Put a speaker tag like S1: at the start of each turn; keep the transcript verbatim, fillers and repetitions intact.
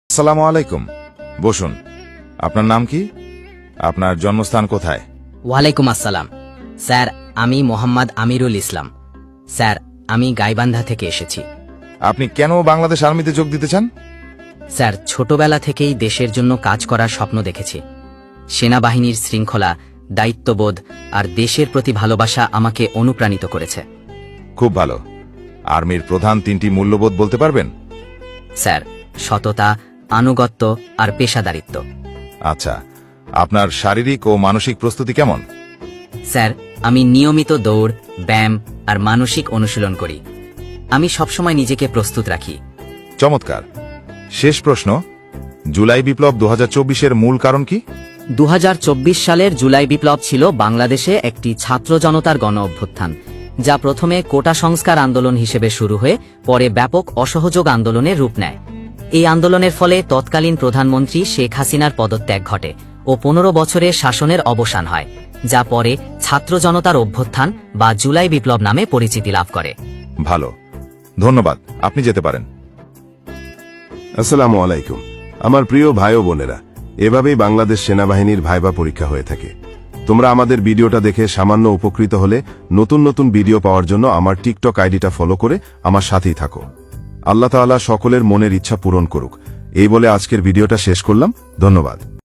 S1: আসসালামু আলাইকুম। বসুন। আপনার নাম কি? আপনার জন্মস্থান কোথায়?
S2: ওয়ালাইকুম আসসালাম স্যার, আমি মোহাম্মদ আমিরুল ইসলাম। স্যার, আমি গাইবান্ধা থেকে এসেছি।
S1: আপনি কেন বাংলাদেশ আর্মিতে যোগ দিতে চান?
S2: স্যার, ছোটবেলা থেকেই দেশের জন্য কাজ করার স্বপ্ন দেখেছি। সেনাবাহিনীর শৃঙ্খলা, দায়িত্ববোধ আর দেশের প্রতি ভালোবাসা আমাকে অনুপ্রাণিত করেছে।
S1: খুব ভালো। আর্মির প্রধান তিনটি মূল্যবোধ বলতে পারবেন?
S2: স্যার, সততা, আনুগত্য আর পেশাদারিত্ব।
S1: আচ্ছা, আপনার শারীরিক ও মানসিক প্রস্তুতি কেমন?
S2: স্যার, আমি নিয়মিত দৌড়, ব্যায়াম আর মানসিক অনুশীলন করি। আমি সবসময় নিজেকে প্রস্তুত রাখি।
S1: চমৎকার। শেষ প্রশ্ন, জুলাই বিপ্লব দু হাজার চব্বিশের মূল কারণ কি?
S2: দু হাজার চব্বিশ সালের জুলাই বিপ্লব ছিল বাংলাদেশে একটি ছাত্র জনতার গণ অভ্যুত্থান, যা প্রথমে কোটা সংস্কার আন্দোলন হিসেবে শুরু হয়ে পরে ব্যাপক অসহযোগ আন্দোলনের রূপ নেয়। এই আন্দোলনের ফলে তৎকালীন প্রধানমন্ত্রী শেখ হাসিনার পদত্যাগ ঘটে ও পনেরো বছরের শাসনের অবসান হয়, যা পরে ছাত্র জনতার অভ্যুত্থান বা জুলাই বিপ্লব নামে পরিচিতি লাভ করে।
S1: ভালো, ধন্যবাদ। আপনি যেতে পারেন।
S3: আসসালামু আলাইকুম। আমার প্রিয় ভাই ও বোনেরা, এভাবেই বাংলাদেশ সেনাবাহিনীর ভাইবা পরীক্ষা হয়ে থাকে। তোমরা আমাদের ভিডিওটা দেখে সামান্য উপকৃত হলে নতুন নতুন ভিডিও পাওয়ার জন্য আমার টিকটক আইডিটা ফলো করে আমার সাথেই থাকো। আল্লাহ তাআলা সকলের মনের ইচ্ছা পূরণ করুক। এই বলে আজকের ভিডিওটা শেষ করলাম। ধন্যবাদ।